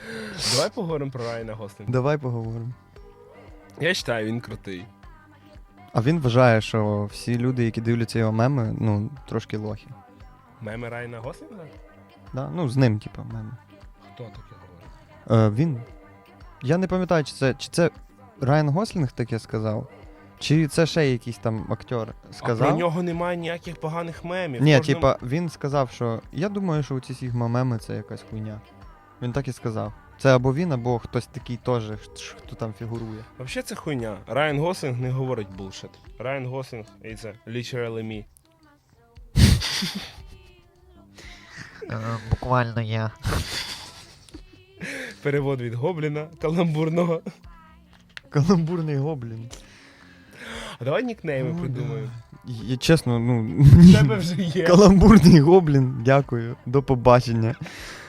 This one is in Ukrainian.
Давай поговоримо про Райана Гослінга. Давай поговоримо. Я вважаю, він крутий. А він вважає, що всі люди, які дивляться його меми, ну, трошки лохи. Меми Райана Гослінга? Да? Ну, з ним, типу, меми. Хто таке говорить? Він. Я не пам'ятаю, чи це Райан Гослінг таке сказав, чи це ще якийсь там актер сказав. А про нього немає ніяких поганих мемів. Ні, Кожному- типа, він сказав, що я думаю, що ці Сігма меми це якась хуйня. Він так і сказав. Це або він, або хтось такий теж, хто там фігурує. Взагалі це хуйня. Райан Гослінг не говорить булшит. Райан Гослінг – це literally me. Буквально я. Перевод від гобліна каламбурного. Каламбурний гоблін. А давай нікнейми О, придумаємо. Я чесно, ну. В тебе вже є. Каламбурний гоблін, дякую. До побачення.